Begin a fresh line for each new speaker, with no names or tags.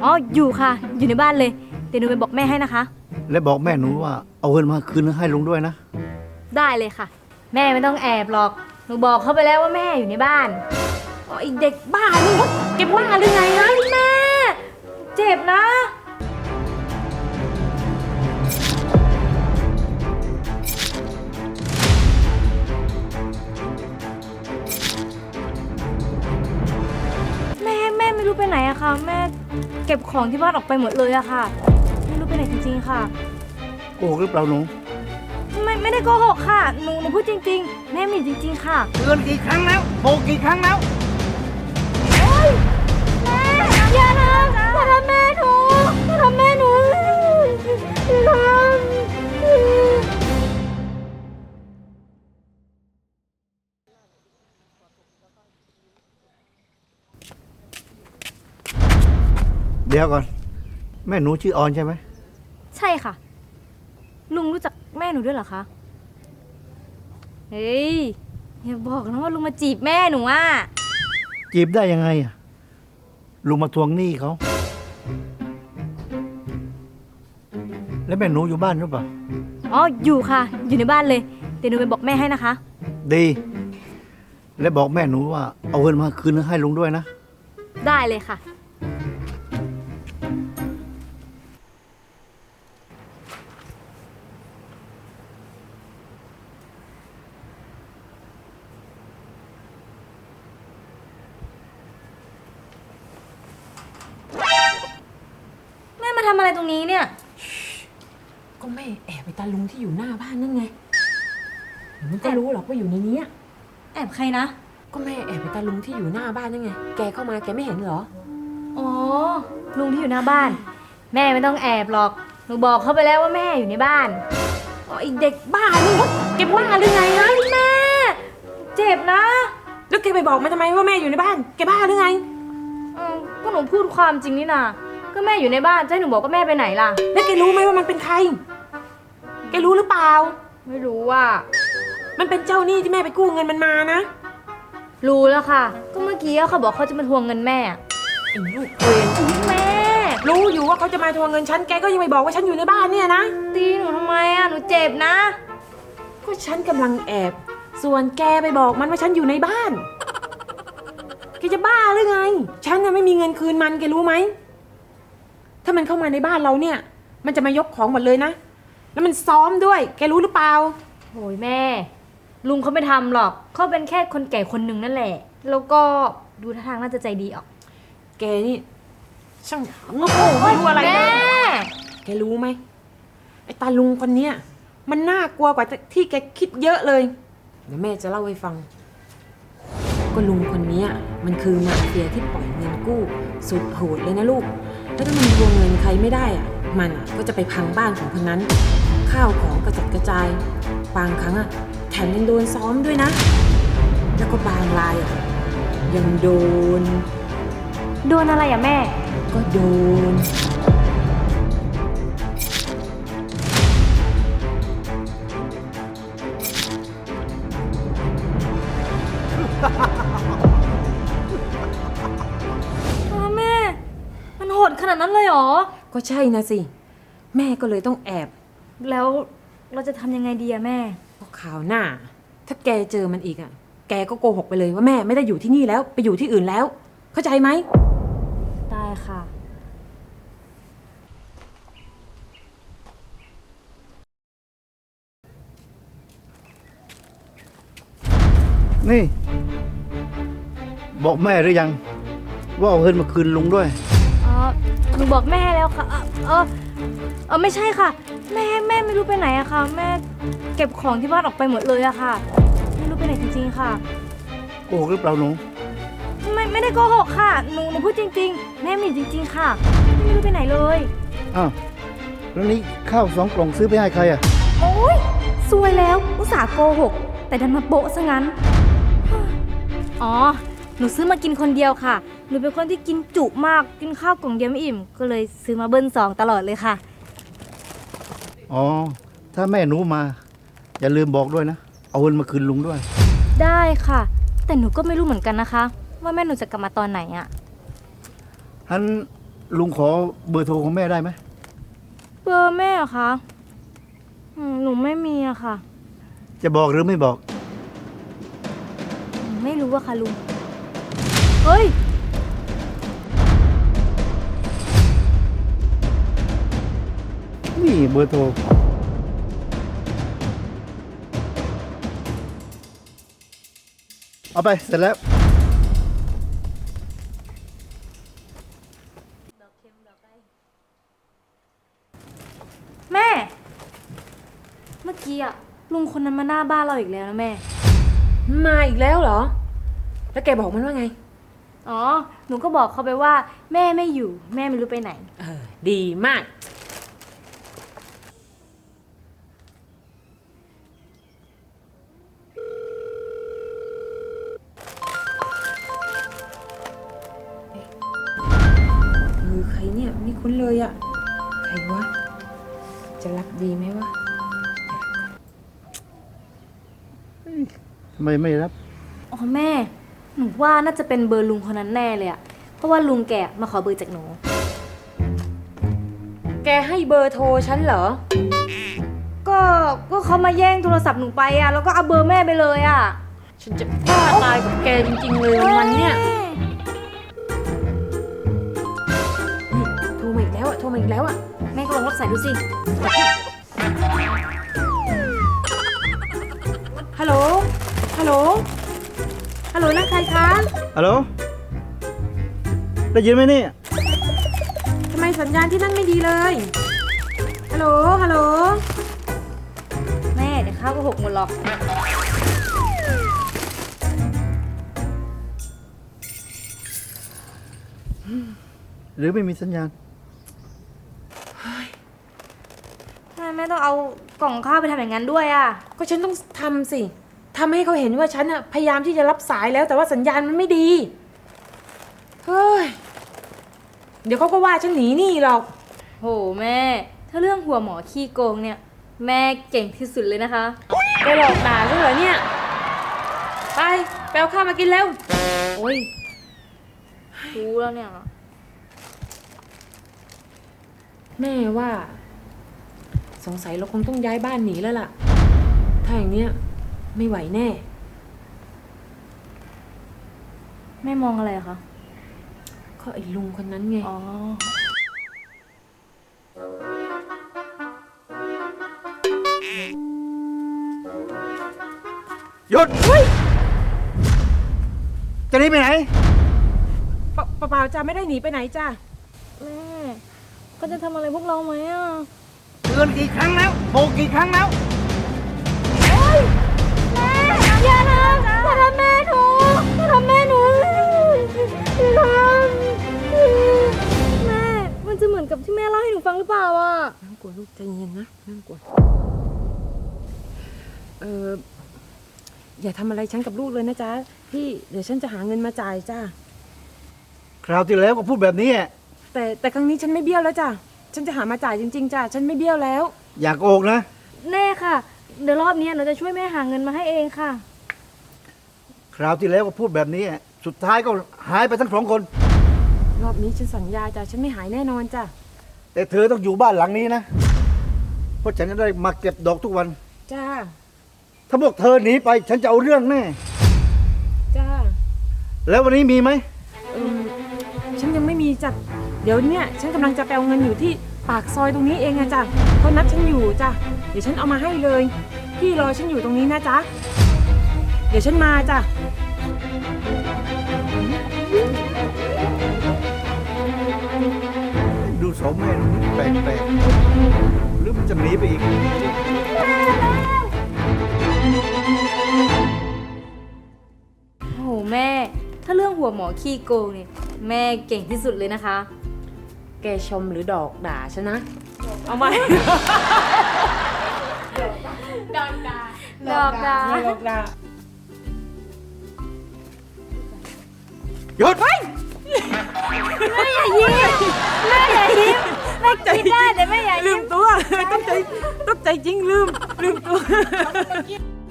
อ๋ออยู่ค่ะอยู่ในบ้านเลยเดี๋ยวหนูไปบอกแม่ให้นะคะ
และบอกแม่หนูว่าเอาเงินมาคืนให้ลุงด้วยนะ
ได้เลยค่ะแม่ไม่ต้องแอบหรอกหนูบอกเขาไปแล้วว่าแม่อยู่ในบ้านอ๋อไอเด็กบ้านี่เก็บบ้าหรือไงนะแม่เจ็บนะแม่ไม่รู้ไปไหนอะค่ะแม่เก็บของที่บ้านออกไปหมดเลยอะค่ะไม่รู้ไปไหนจริงๆค่ะ
โกหกหรือเปล่าหนู
ไม่ได้โกหกค่ะหนูพูดจริงๆแม่มีจริงๆค่ะ
เตือนกี่ครั้งแล้วบอกกี่ครั้งแล้ว
แม่อย่าทำแม่หนูอย่าทำแม่หนูอย่าท
เดี๋ยวก่อนแม่หนูชื่อออนใช่ไหม
ใช่ค่ะลุงรู้จักแม่หนูด้วยเหรอคะเฮ้ยอย่าบอกนะว่าลุงมาจีบแม่หนูอ่ะ
จีบได้ยังไงอะลุงมาทวงหนี้เขาแล้วแม่หนูอยู่บ้านหรือเปล่า
อ๋ออยู่ค่ะอยู่ในบ้านเลยเดี๋ยวหนูไปบอกแม่ให้นะคะ
ดีและบอกแม่หนูว่าเอาเงินมาคืนให้ลุงด้วยนะ
ได้เลยค่ะแม่มาทำอะไรตรงนี้เนี่ย
ก็แม่แอบไปตาลุงที่อยู่หน้าบ้านนั่นไงมันก็รู้หรอกว่าอยู่ในนี้
แอบใครนะ
ก็แม่แอบไปตาลุงที่อยู่หน้าบ้านนั่นไงแกเข้ามาแกไม่เห็นเหรอ
อ๋อลุงที่อยู่หน้าบ้านแม่ไม่ต้องแอบหรอกหนูบอกเขาไปแล้วว่าแม่อยู่ในบ้านอ๋อไอเด็กบ้านี่เก็บบ้าหรือไงนะแม่เจ็บนะ
แล้วแกไปบอกมันทำไมว่าแม่อยู่ในบ้านแกบ้าหรือไง
ก็หนูพูดความจริงนี่นะก็แม่อยู่ในบ้านจะให้หนูบอกว่าแม่ไปไหนล่ะ
แล้วแกรู้ไหมว่ามันเป็นใครแกรู้หรือเปล่า
ไม่รู้ว่า
มันเป็นเจ้าหนี้ที่แม่ไปกู้เงินมันมานะ
รู้แล้วค่ะก็เมื่อกี้เขาบอกเขาจะมาทวงเงินแม่
ไอ้ลูกเวร
แม่
รู้อยู่ว่าเขาจะมาทวงเงินฉันแกก็ยังไม่บอกว่าฉันอยู่ในบ้านเนี่ยนะ
ตีหนูทำไมหนูเจ็บนะ
ก็ฉันกำลังแอบส่วนแกไปบอกมันว่าฉันอยู่ในบ้านแกจะบ้าหรือไงฉันน่ะไม่มีเงินคืนมันแกรู้ไหมถ้ามันเข้ามาในบ้านเราเนี่ยมันจะมายกของหมดเลยนะแล้วมันซ้อมด้วยแกรู้หรือเปล่า
โหยแม่ลุงเขาไม่ทำหรอกเขาเป็นแค่คนแก่คนหนึ่งนั่นแหละแล้วก็ดูท่าทางน่าจะใจดีออก
แกนี่ช่างโง่ไม่รู้อะไรเลยแกรู้ไหมไอ้ตาลุงคนเนี้ยมันน่ากลัวกว่าที่แกคิดเยอะเลยเดี๋ยวแม่จะเล่าให้ฟังก็ลุงคนนี้มันคือมาเฟียที่ปล่อยเงินกู้สุดโหดเลยนะลูกแล้วถ้ามันทวงเงินใครไม่ได้มันก็จะไปพังบ้านของคนนั้นข้าวของกระจัดกระจายบางครั้งแถมยังโดนซ้อมด้วยนะแล้วก็บางรายยังโดน
อะไรแม่
ก็โดน
แม่มันโหดขนาดนั้นเลยเหรอ
ก็ใช่นะสิแม่ก็เลยต้องแอบ
แล้วเราจะทำยังไงดีแม่
ก็ข่าวหน้าถ้าแกเจอมันอีกแกก็โกหกไปเลยว่าแม่ไม่ได้อยู่ที่นี่แล้วไปอยู่ที่อื่นแล้วเข้าใจไหม
ได้ค่ะ
นี่บอกแม่หรือยังว่าเอาเงินมาคืนลุงด้วย
หนูบอกแม่แล้วค่ะไม่ใช่ค่ะแม่ไม่รู้ไปไหนอะค่ะแม่เก็บของที่บ้านออกไปหมดเลยอะค่ะไม่รู้ไปไหนจริงๆค่ะ
โกหกหรือเปล่าหนู
ไม่ได้โกหกค่ะหนูพูดจริงๆแม่มีจริงๆค่ะไม่รู้ไปไหนเลย
อ้าวแล้วนี้ข้าว2 กล่องซื้อไปให้ใคร
โอ๊ยซวยแล้วอุตส่าห์โกหกแต่ดันมาโปะซะงั้นอ๋อหนูซื้อมากินคนเดียวค่ะหนูเป็นคนที่กินจุมากกินข้าวกล่องเดียวไม่อิ่มก็เลยซื้อมาเบิ้ล2ตลอดเลยค่ะ
อ๋อถ้าแม่หนูมาอย่าลืมบอกด้วยนะเอาเงินมาคืนลุงด้วย
ได้ค่ะแต่หนูก็ไม่รู้เหมือนกันนะคะว่าแม่หนูจะกลับมาตอนไหน
ฮันลุงขอเบอร์โทรของแม่ได้ไหม
เบอร์แม่เหรอคะหนูไม่มีอะค่ะ
จะบอกหรือไม่บอก
ไม่รู้อะค่ะลุง เฮ้ย
นี่เบอร์โทร เอาไปเสร็จแล้ว
แม่ เมื่อกี้อะลุงคนนั้นมาหน้าบ้านเราอีกแล้วนะแม่
มาอีกแล้วเหรอ แล้วแกบอกมันว่าไง
อ๋อ หนูก็บอกเขาไปว่า แม่ไม่อยู่ แม่ไม่รู้ไปไหน
ดีมาก ใครเนี่ยไม่คุ้นเลยอะใครวะ จะรับดีไหมวะ
ทำไมไม่รับ
อ๋อแม่ หนูว่าน่าจะเป็นเบอร์ลุงคนนั้นแน่เลยอะเพราะว่าลุงแกมาขอเบอร์จากหนู
แกให้เบอร์โทรฉันเหรอ
ก็เขามาแย่งโทรศัพท์หนูไปอะแล้วก็เอาเบอร์แม่ไปเลยอะ
ฉันจะบ้าตายกับแกจริงๆเลยวันเนี้ยนี่โทรมาอีกแล้วอะโทรมาอีกแล้วอะ
แม่ก็ลองรับสายดูสิ
ฮัลโหล ฮัลโหล ฮัลโหลนั่นใครคะ
ฮัลโหล ได้ยินไหมเนี่ย
ทำไมสัญญาณที่นั่นไม่ดีเลย ฮัลโหล ฮัลโหล
แม่เดี๋ยวข้าวก็หกหมดหรอก
หรือไม่มีสัญญาณ
แม่ต้องเอากล่องข้าวไปทำอย่างนั้นด้วยอะ
ก็ฉันต้องทำสิทำให้เขาเห็นว่าฉันอะพยายามที่จะรับสายแล้วแต่ว่าสัญญาณมันไม่ดี เฮ้ย เดี๋ยวเขาก็ว่าฉันหนีหนี้หรอก
โหแม่ ถ้าเรื่องหัวหมอขี้โกงเนี่ย แม่เก่งที่สุดเลยนะคะ
แกหลอกด่าฉันเหรอเนี่ย ไปไปเอาข้าวมากินเร็ว
โอ้ยรู้แล้วเนี่ย
แม่ว่า สงสัยเราคงต้องย้ายบ้านหนีแล้วล่ะ ถ้าอย่างเนี้ยไม่ไหวแน่
แม่มองอะไรอะคะ
ก็ไอ้ลุงคนนั้นไง
อ๋อ
หยุดจะหนีไปไหน
เปล่าๆจ้าไม่ได้หนีไปไหนจ้า
แม่ก็จะทำอะไรพวกเราไหมอะ
เตือนกี่ครั้งแล้วบอกกี่ครั้งแล้ว
แม่อย่าทำแม่หนูอย่าทำแม่หนูอย่าทำแม่ มันจะเหมือนกับที่แม่เล่าให้หนูฟังหรือเปล่าอะ
นั่งกลัวลูกใจเย็นนะนั่งกลัวอย่าทำอะไรฉันกับลูกเลยนะจ๊ะพี่เดี๋ยวฉันจะหาเงินมาจ่ายจ้า
คราวที่แล้วก็พูดแบบนี้อะ
แต่ครั้งนี้ฉันไม่เบี้ยวแล้วจ้ะฉันจะหามาจ่ายจริงๆจ้ะฉันไม่เบี้ยวแล้ว
อยากโอกนะ
แน่ค่ะ เดี๋ยวรอบนี้หนูจะช่วยแม่หาเงินมาให้เองค่ะ
คราวที่แล้วก็พูดแบบนี้อะสุดท้ายก็หายไปทั้งสองคน
รอบนี้ฉันสัญญาจ้ะฉันไม่หายแน่นอนจ้ะ
แต่เธอต้องอยู่บ้านหลังนี้นะ เพราะฉันจะได้มาเก็บดอกทุกวัน
จ้า
ถ้าพวกเธอหนีไป ฉันจะเอาเรื่องแน่
จ้า
แล้ววันนี้มีไหม
ฉันยังไม่มีจ้ะเดี๋ยวเนี่ยฉันกำลังจะไปเอาเงินอยู่ที่ปากซอยตรงนี้เองอะจ้ะเขานัดฉันอยู่จ้ะเดี๋ยวฉันเอามาให้เลยพี่รอฉันอยู่ตรงนี้นะจ๊ะเดี๋ยวฉันมาจ้ะ
ดูสองแม่ดูแปลกๆหรือมันจะหนีไปอีก
โอ้โหแม่ ถ้าเรื่องหัวหมอขี้โกงเนี่ยแม่เก่งที่สุดเลยนะคะ
แกชมหรือดอกด่าฉันนะเอาไหม
ดอกดา
ดอกด่า
หยุด
แม่อย่ายิ้มแม่อย่ายิ้มแม่คิดได้แต่แม่อย่า
ลื
ยิ้ม
มตัวต้องใจจริงลืมตัว